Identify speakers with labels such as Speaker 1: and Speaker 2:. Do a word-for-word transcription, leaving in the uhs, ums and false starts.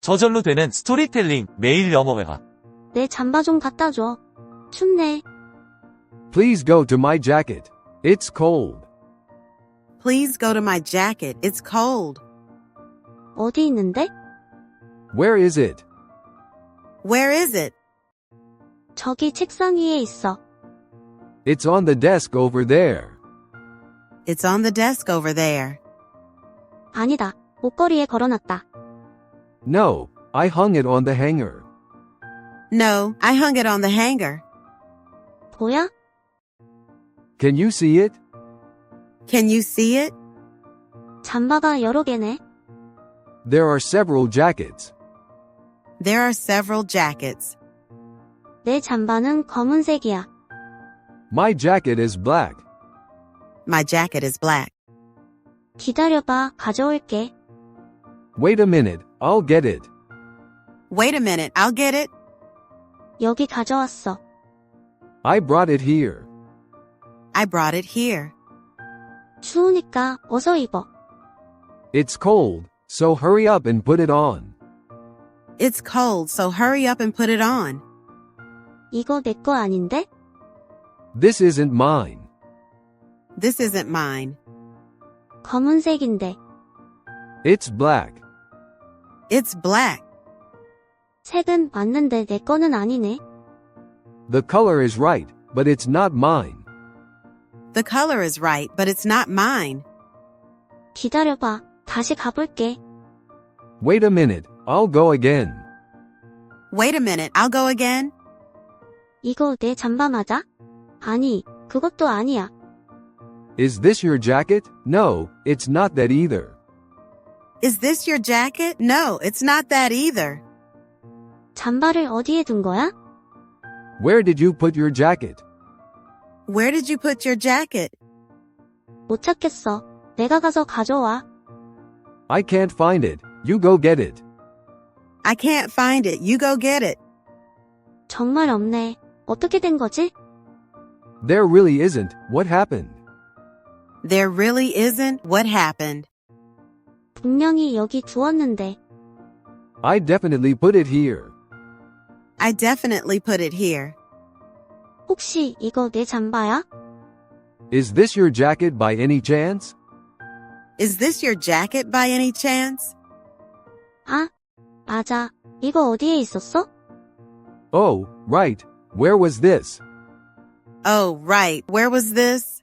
Speaker 1: 저절로 되는 스토리텔링 매일 영어회화.
Speaker 2: 내 잠바 좀 갖다 줘. 춥네.
Speaker 3: Please go to my jacket. It's cold.
Speaker 4: Please go to my jacket. It's cold.
Speaker 2: 어디 있는데?
Speaker 3: Where is it?
Speaker 4: Where is it?
Speaker 2: 저기 책상 위에 있어.
Speaker 3: It's on the desk over there.
Speaker 4: It's on the desk over there.
Speaker 2: 아니다. 옷걸이에 걸어놨다.
Speaker 3: No, I hung it on the hanger.
Speaker 4: No, I hung it on the hanger.
Speaker 2: 보여?
Speaker 3: Can you see it?
Speaker 4: Can you see it?
Speaker 2: 잠바가 여러 개네.
Speaker 3: There are several jackets.
Speaker 4: There are several jackets.
Speaker 2: 내 잠바는 검은색이야.
Speaker 3: My jacket is black.
Speaker 4: My jacket is black.
Speaker 2: 기다려봐. 가져올게.
Speaker 3: Wait a minute, I'll get it.
Speaker 4: Wait a minute, I'll get it.
Speaker 2: 여기 가져왔어.
Speaker 3: I brought it here.
Speaker 4: I brought it here.
Speaker 2: 추우니까 어서 입어.
Speaker 3: It's cold, so hurry up and put it on.
Speaker 4: It's cold, so hurry up and put it on.
Speaker 2: 이거 내 거 아닌데?
Speaker 3: This isn't mine.
Speaker 4: This isn't mine.
Speaker 2: 검은색인데.
Speaker 3: It's black.
Speaker 4: It's black.
Speaker 2: 색은 맞는데 내 거는 아니네.
Speaker 3: The color is right, but it's not mine.
Speaker 4: The color is right, but it's not mine.
Speaker 2: 기다려봐. 다시 가볼게.
Speaker 3: Wait a minute, I'll go again.
Speaker 4: Wait a minute, I'll go again.
Speaker 2: 이거 내 잠바 맞아? 아니, 그것도 아니야.
Speaker 3: Is this your jacket? No, it's not that either.
Speaker 4: Is this your jacket? No, it's not that either.
Speaker 2: 잠바를 어디에 둔 거야?
Speaker 3: Where did you put your jacket?
Speaker 4: Where did you put your jacket?
Speaker 2: 못 찾겠어. 내가 가서 가져와.
Speaker 3: I can't find it. You go get it.
Speaker 4: I can't find it. You go get it.
Speaker 2: 정말 없네. 어떻게 된 거지?
Speaker 3: There really isn't. What happened?
Speaker 4: There really isn't. What happened?
Speaker 2: 분명히 여기 두었는데.
Speaker 3: I definitely put it here.
Speaker 4: I definitely put it here.
Speaker 2: 혹시 이거 내 잠바야?
Speaker 3: Is this your jacket by any chance?
Speaker 4: Is this your jacket by any chance?
Speaker 2: 아, 맞아. 이거 어디에 있었어?
Speaker 3: Oh, right. Where was this?
Speaker 4: Oh, right. Where was this?